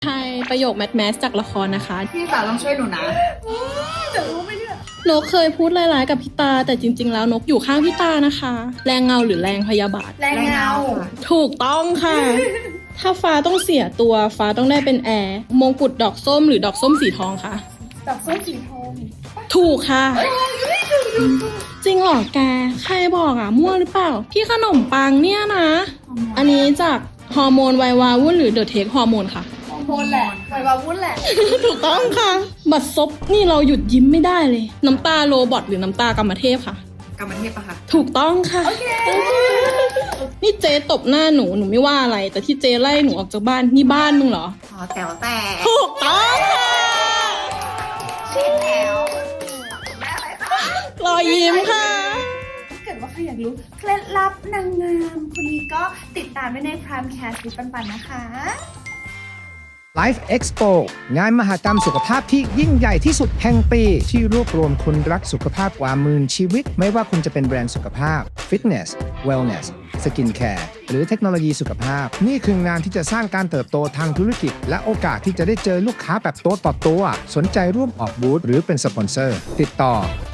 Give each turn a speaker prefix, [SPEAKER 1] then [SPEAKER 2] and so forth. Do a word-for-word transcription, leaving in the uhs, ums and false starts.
[SPEAKER 1] ใช่ประโยคแมทแมสจากละครนะคะ
[SPEAKER 2] พี่สาวต้องช่วยหนูนะจะรู้ไหมเนี่ย
[SPEAKER 1] นกเคยพูดร้ายๆกับพี่ตาแต่จริงๆแล้วนกอยู่ข้างพี่ตานะคะ แรงเงาหรือแรงพยาบาท
[SPEAKER 2] แรงเงา
[SPEAKER 1] ถูกต้องค่ะ ถ้าฟ้าต้องเสียตัวฟ้าต้องได้เป็นแอร์มงกุฎดอกส้มหรือดอกส้มสีทองคะ
[SPEAKER 2] ดอกส้มสีทอง
[SPEAKER 1] ถูกค่ะ จริงเหรอแกใครบอกอ่ะมั่วหรือเปล่า พี่ขนมปังเนี่ยนะ อันนี้จากฮอร์โมนไววาวุ่นหรือเดอะเทคฮอร์โมนค่ะ
[SPEAKER 2] ฮอร์โมนแหละไววาวุ่นแหละ
[SPEAKER 1] ถูกต้องค่ะ บัตรซบนี่เราหยุดยิ้มไม่ได้เลย น้ำตาโรบอทหรือน้ำตากรรมเทพค่ะ
[SPEAKER 2] กรรมเทพปะคะ
[SPEAKER 1] ถูกต้องค่ะ
[SPEAKER 2] โอเค
[SPEAKER 1] นี่เจ๊ตบหน้าหนูหนูไม่ว่าอะไร แต่ที่เจ๊ไล่หนูออกจากบ้านนี่บ้านมึงเหรอ
[SPEAKER 2] อ๋อแต่ว่าแต่
[SPEAKER 1] ถูกต้องค่ะ
[SPEAKER 2] ชิดแล้วแม่อะไรคะ
[SPEAKER 1] รอยยิ้มค่ะ
[SPEAKER 2] ถ้าเกิดว่าใครอยากรู้เคล็ดลับนางงามคนนี้ก็ติดตามได้ใน Prime Cast วิปันปันนะคะ
[SPEAKER 3] Life Expo งานมหกรรมสุขภาพที่ยิ่งใหญ่ที่สุดแห่งปีที่รวบรวมคนรักสุขภาพกว่าหมื่นชีวิต ไม่ว่าคุณจะเป็นแบรนด์สุขภาพ Fitness Wellness Skin Care หรือเทคโนโลยีสุขภาพ นี่คืองานที่จะสร้างการเติบโตทางธุรกิจ และโอกาสที่จะได้เจอลูกค้าแบบตัวต่อตัว สนใจร่วมออกบูธหรือเป็นสปอนเซอร์ ติดต่อ